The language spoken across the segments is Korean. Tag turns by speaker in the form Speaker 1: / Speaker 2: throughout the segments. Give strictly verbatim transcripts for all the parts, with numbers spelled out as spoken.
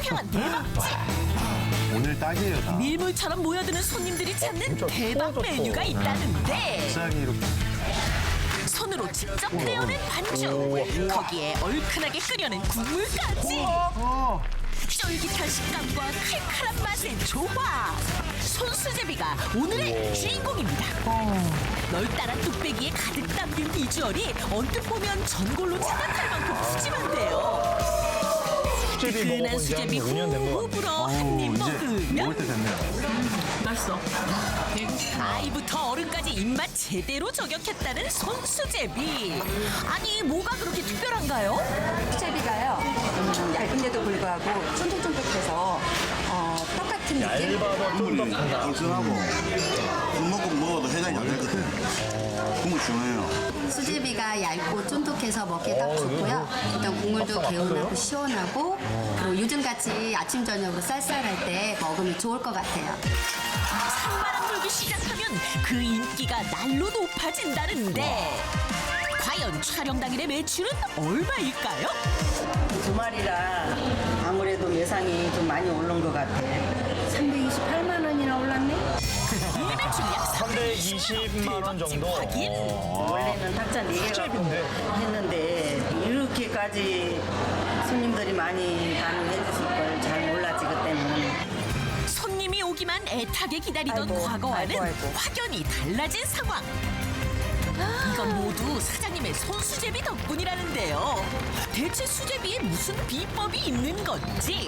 Speaker 1: 향한 대박집.
Speaker 2: 오늘 딱이에요, 다.
Speaker 1: 밀물처럼 모여드는 손님들이 찾는 대박 메뉴가 있다는데
Speaker 2: 비싸게 이렇게.
Speaker 1: 손으로 직접 떼어낸 반죽, 거기에 얼큰하게 끓여낸 국물까지. 쫄깃한 식감과 칼칼한 맛의 조화. 손수제비가 오늘의 주인공입니다. 널따란 뚝배기에 가득 담긴 비주얼이 언뜻 보면 전골로 생각할 만큼 푸짐한데요.
Speaker 3: 수제비
Speaker 1: 뜨끈한
Speaker 3: 먹어본 지 한
Speaker 1: 수제비
Speaker 3: 오 년 된 것
Speaker 1: 후
Speaker 3: 같아요.
Speaker 1: 불어 한 입
Speaker 2: 이제
Speaker 1: 먹으면
Speaker 2: 먹을 때 됐네요.
Speaker 1: 맛있어. 아이부터 어른까지 입맛 제대로 저격했다는 손수제비. 아니 뭐가 그렇게 특별한가요?
Speaker 4: 수제비가요, 음, 얇은데도 불구하고 쫀득쫀득해서 어, 똑같은 느낌?
Speaker 3: 얇아서 쫀득하다.
Speaker 5: 얼큰하고 국먹국 먹어도 해장이 안 될 것 같아요. 국물 중요해요.
Speaker 4: 수제비가 얇고 쫀득해서 먹기 딱 좋고요. 일단 국물도 개운하고 시원하고 그리고 요즘같이 아침 저녁으로 쌀쌀할 때 먹으면 좋을 것 같아요.
Speaker 1: 산바람 불기 시작하면 그 인기가 날로 높아진다는데 과연 촬영 당일의 매출은 얼마일까요?
Speaker 6: 주말이라 아무래도 예상이 좀 많이 오른 것 같아. 삼백이십팔만 원이나 올랐네?
Speaker 1: 일 매출 약
Speaker 3: 삼백이십만 원 정도?
Speaker 1: 확인.
Speaker 6: 원래는 탁자 네 개가
Speaker 3: 수제비인데?
Speaker 6: 했는데 이렇게까지 손님들이 많이 반응해 주실 걸 잘 몰랐지 그때는.
Speaker 1: 손님이 오기만 애타게 기다리던
Speaker 6: 아이고,
Speaker 1: 과거와는
Speaker 6: 아이고, 아이고.
Speaker 1: 확연히 달라진 상황. 이건 모두 사장님의 손수제비 덕분이라는데요. 대체 수제비에 무슨 비법이 있는 건지.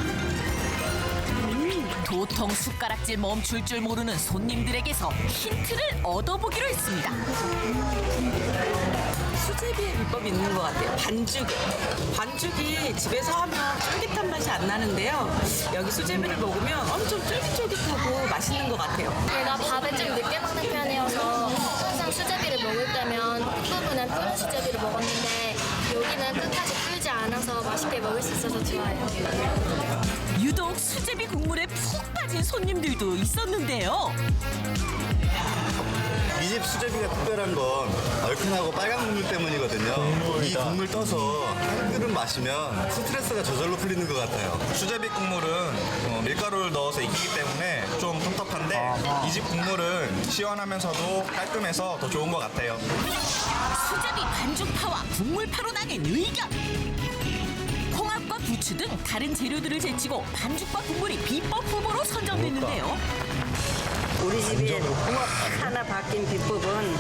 Speaker 1: 도통 숟가락질 멈출 줄 모르는 손님들에게서 힌트를 얻어보기로 했습니다.
Speaker 7: 수제비의 비법이 있는 것 같아요. 반죽에. 반죽이 집에서 하면 쫄깃한 맛이 안 나는데요. 여기 수제비를 먹으면 엄청 쫄깃쫄깃하고 맛있는 것 같아요.
Speaker 8: 제가 밥을 좀 늦게 먹는 편이어서 항상 수제비를 먹을 때면 끝부분은 끓은 수제비를 먹었는데 여기는 끝까지 끓지 않아서 맛있게 먹을 수 있어서 좋아요.
Speaker 1: 유독 수제비 국물에 푹 빠진 손님들도 있었는데요.
Speaker 5: 이 집 수제비가 특별한 건 얼큰하고 빨간 국물 때문이거든요. 이 국물 떠서 한 그릇 마시면 스트레스가 저절로 풀리는 것 같아요.
Speaker 9: 수제비 국물은 어, 밀가루를 넣어서 익히기 때문에 좀 텁텁한데 이 집 국물은 시원하면서도 깔끔해서 더 좋은 것 같아요.
Speaker 1: 수제비 반죽파와 국물파로 나뉜 의견. 홍합과 부추 등 다른 재료들을 제치고 반죽과 국물이 비법 후보로 선정됐는데요.
Speaker 6: 우리 집에 하나 바뀐 비법은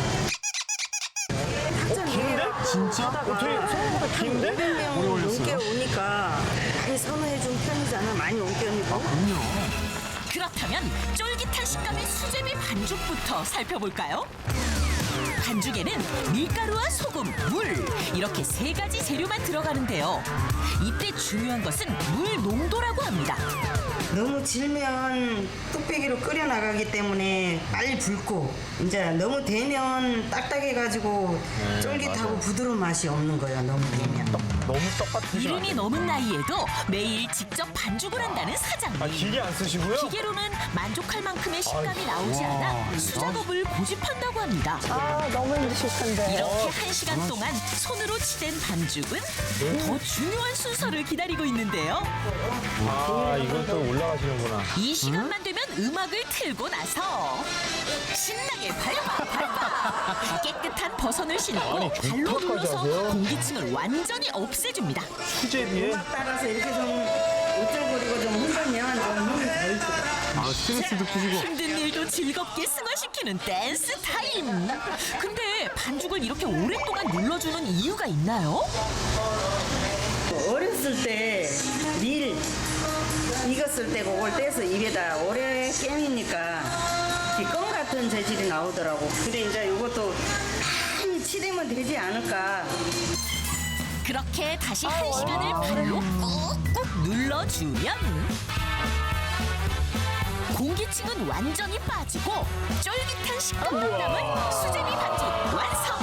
Speaker 6: 탁자 네 개가
Speaker 3: 진짜? 어떻게 생각보다 긴데?
Speaker 6: 명 넘게 오니까 많이 선호해 준 편이잖아. 많이 온 편이고.
Speaker 1: 그렇다면 쫄깃한 식감의 수제비 반죽부터 살펴볼까요? 반죽에는 밀가루와 소금, 물 이렇게 세 가지 재료만 들어가는데요. 이때 중요한 것은 물 농도라고 합니다.
Speaker 6: 너무 질면 뚝배기로 끓여 나가기 때문에 빨리 붉고 이제 너무 되면 딱딱해가지고 쫄깃하고 부드러운 맛이 없는 거예요. 너무 되면.
Speaker 3: 너무 똑같으시면 안
Speaker 1: 이른이
Speaker 3: 돼요.
Speaker 1: 넘은 나이에도 매일 직접 반죽을 한다는 사장님.
Speaker 3: 아, 기계 안 쓰시고요?
Speaker 1: 기계로는 만족할 만큼의 식감이 나오지 않아 수작업을 고집한다고 합니다.
Speaker 7: 아, 너무 힘드실 텐데.
Speaker 1: 이렇게 한 시간 동안 손으로 치댄 반죽은 더 중요한 순서를 기다리고 있는데요.
Speaker 3: 아, 이건 또 올라가시는구나.
Speaker 1: 이 시간만 되면 음악을 틀고 나서 신나게 밟아 밟아 깨끗한 버선을 신고
Speaker 3: 아니,
Speaker 1: 발로
Speaker 3: 좋다까지
Speaker 1: 눌러서
Speaker 3: 하세요?
Speaker 1: 공기층을 완전히 없애줍니다.
Speaker 3: 수제비에?
Speaker 6: 음악 따라서 이렇게 좀 우쭐거리고 좀 흔들면 좀 힘이 덜 들어.
Speaker 2: 아, 스트레스도 푸시고.
Speaker 1: 힘든 일도 즐겁게 승화시키는 댄스 타임. 근데 반죽을 이렇게 오랫동안 눌러주는 이유가 있나요?
Speaker 6: 어렸을 때 밀 익었을 때 그걸 떼서 입에다 오래 깨미니까 껌 같은 재질이 나오더라고. 근데 이제 이것도 많이 치대면 되지 않을까.
Speaker 1: 그렇게 다시 한 시간을 발로 꾹꾹 눌러주면 공기층은 완전히 빠지고 쫄깃한 식감만 남은 수제비 반죽 완성!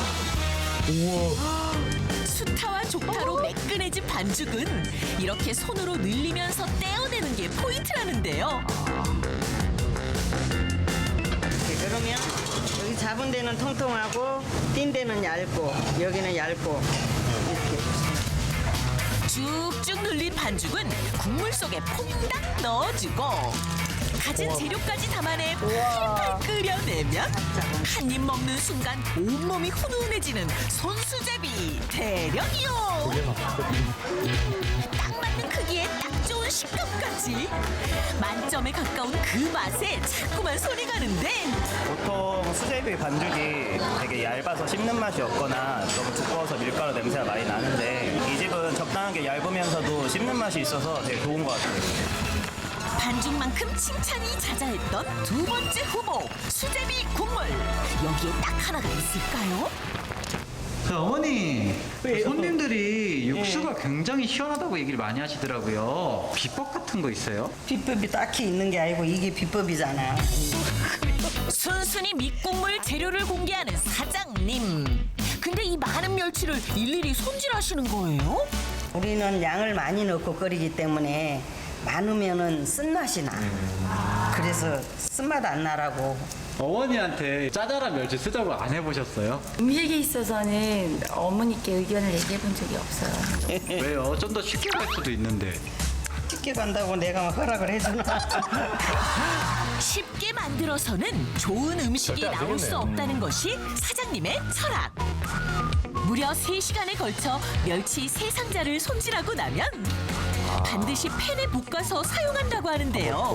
Speaker 1: 수타와 족타로 매끈해진 반죽은 이렇게 손으로 늘리면서 떼어내는 게 포인트라는데요.
Speaker 6: 이렇게 그러면 여기 잡은 데는 통통하고 띈 데는 얇고 여기는 얇고 이렇게.
Speaker 1: 쭉쭉 눌린 반죽은 국물 속에 퐁당 넣어주고 가진 재료까지 담아내 팔팔 끓여내면 한 입 먹는 순간 온몸이 훈훈해지는 손수제비 대령이요. 딱 맞는 크기에 딱 좋은 식감까지 만점에 가까운 그 맛에 자꾸만 손이 가는데
Speaker 10: 보통 수제비 반죽이 되게 얇아서 씹는 맛이 없거나 너무 두꺼워서 밀가루 냄새가 많이 나는데 이 집은 적당하게 얇으면서도 씹는 맛이 있어서 되게 좋은 것 같아요.
Speaker 1: 반죽만큼 칭찬이 자자했던 두 번째 후보 수제비 국물 여기에 딱 하나가 있을까요?
Speaker 11: 그 어머니 손님들이 육수가 굉장히 시원하다고 얘기를 많이 하시더라고요. 비법 같은 거 있어요?
Speaker 6: 비법이 딱히 있는 게 아니고 이게 비법이잖아.
Speaker 1: 순순히 밑국물 재료를 공개하는 사장님. 근데 이 많은 멸치를 일일이 손질하시는 거예요?
Speaker 6: 우리는 양을 많이 넣고 끓이기 때문에 많으면은 쓴맛이 나. 그래서 쓴맛 안 나라고.
Speaker 11: 어머니한테 짜잘한 멸치 쓰자고 안 해보셨어요?
Speaker 12: 음식에 있어서는 어머니께 의견을 얘기해 본 적이 없어요.
Speaker 11: 왜요? 좀 더 쉽게 갈 수도 있는데.
Speaker 6: 쉽게 간다고 내가 막 허락을 해주나.
Speaker 1: 쉽게 만들어서는 좋은 음식이
Speaker 3: 절대 안
Speaker 1: 나올 수
Speaker 3: 되겠네요.
Speaker 1: 없다는 것이 사장님의 철학. 무려 세 시간에 걸쳐 멸치 세 상자를 손질하고 나면 반드시 팬에 볶아서 사용한다고 하는데요.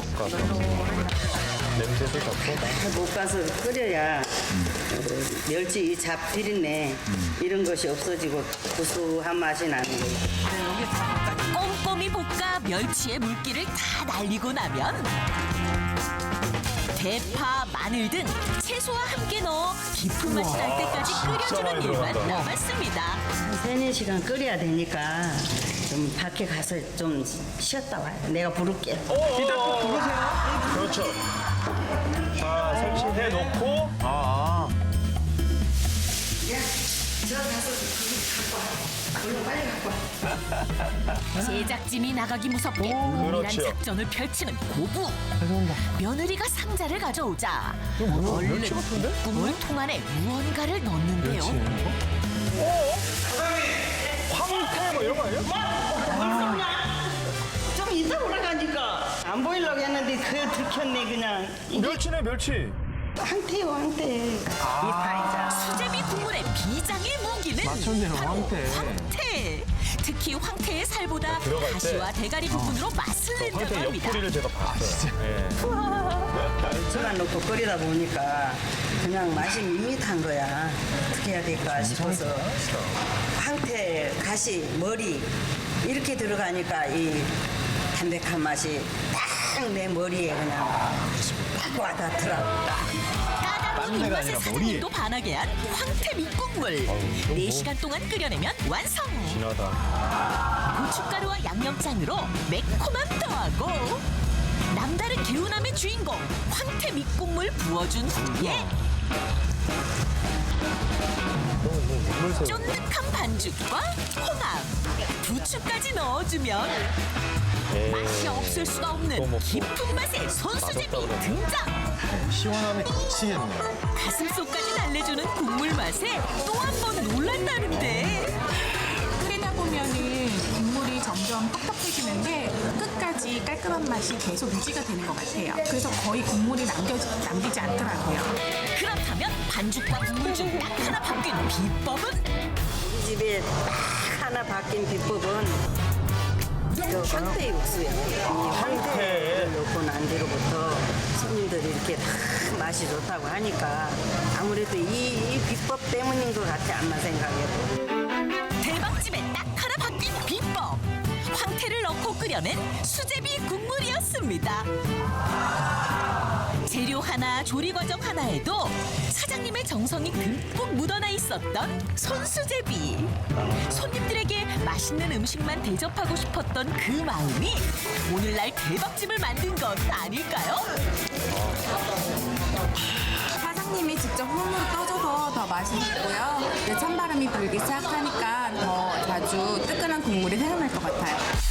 Speaker 3: 냄새도 좋고.
Speaker 6: 볶아서 끓여야 그 멸치 이 잡 비린내 이런 것이 없어지고 구수한 맛이 나는 거예요.
Speaker 1: 꼼꼼히 볶아 멸치의 물기를 다 날리고 나면 대파, 마늘 등 채소와 함께 넣어 깊은 맛이 날 때까지 끓여주는 일만 남았습니다.
Speaker 6: 한 세네 시간 끓여야 되니까 좀 밖에 가서 좀 쉬었다 와요. 내가 부를게.
Speaker 3: 이따 부르세요. 그렇죠. 자, 설치해 놓고.
Speaker 2: 아,
Speaker 1: 제작진이 나가기 무섭게 은밀한
Speaker 3: 그렇죠.
Speaker 1: 작전을 펼치는 고부. 며느리가 상자를 가져오자 얼른 국물 통 안에 무언가를 넣는데요.
Speaker 3: 황태 뭐 이런 거 아니에요?
Speaker 6: 좀 이따 올라가니까 안 보이려고 했는데 그걸 들켰네 그냥.
Speaker 3: 멸치네, 멸치.
Speaker 6: 황태요 황태. 이파이자.
Speaker 1: 수제비 국물의 비장의 무기는
Speaker 2: 맞췄네요,
Speaker 1: 바로
Speaker 2: 황태.
Speaker 1: 황태. 특히 황태의 살보다
Speaker 3: 들어갈 때.
Speaker 1: 가시와 대가리 부분으로 맛을 낸다고
Speaker 3: 황태
Speaker 1: 합니다.
Speaker 3: 옆구리를 제가 봤어요. 예.
Speaker 6: 저만 넣고 끓이다 보니까 그냥 맛이 밋밋한 거야. 어떻게 해야 될까 싶어서 황태, 가시, 머리 이렇게 들어가니까 이 담백한 맛이 딱 내 머리에 그냥 딱 와닿더라고.
Speaker 1: 까다로운 입맛에 사장님도 반하게 한 황태 밑국물. 네 시간 동안 끓여내면 완성.
Speaker 3: 진하다.
Speaker 1: 고춧가루와 양념장으로 매콤함 더하고 남다른 개운함의 주인공 황태 밑국물 부어준 후에 쫀득한 반죽과 홍합, 부추까지 넣어주면 맛이 없을 수가 없는 깊은 맛의 손수제비 등장.
Speaker 2: 시원함이 미치겠네.
Speaker 1: 가슴속까지 달래주는 국물 맛에 또 한 번 놀란다는데
Speaker 12: 끓이다 보면은 국물이 점점 퍽퍽해지는데 끝까지 깔끔한 맛이 계속 유지가 되는 것 같아요. 그래서 거의 국물이 남겨지, 남기지 않더라고요.
Speaker 1: 그렇다면 반죽과 국물 중 딱 하나 바뀐 비법은?
Speaker 6: 이 집에 딱 하나 바뀐 비법은 그 황태 육수예요. 이 황태를 넣고 난 뒤로부터 손님들이 이렇게 다 맛이 좋다고 하니까 아무래도 이, 이 비법 때문인 것 같아, 안만 생각해도.
Speaker 1: 대박집에 딱 하나 바뀐 비법. 황태를 넣고 끓여낸 수제비 국물이었습니다. 재료 하나, 조리 과정 하나에도 사장님의 정성이 듬뿍 묻어나 있었던 손수제비. 손님들에게 맛있는 음식만 대접하고 싶었던 그 마음이 오늘날 대박집을 만든 것 아닐까요?
Speaker 12: 사장님이 직접 홈으로 떠줘서 더 맛있고요. 찬바람이 불기 시작하니까 더 자주 뜨끈한 국물이 생각날 것 같아요.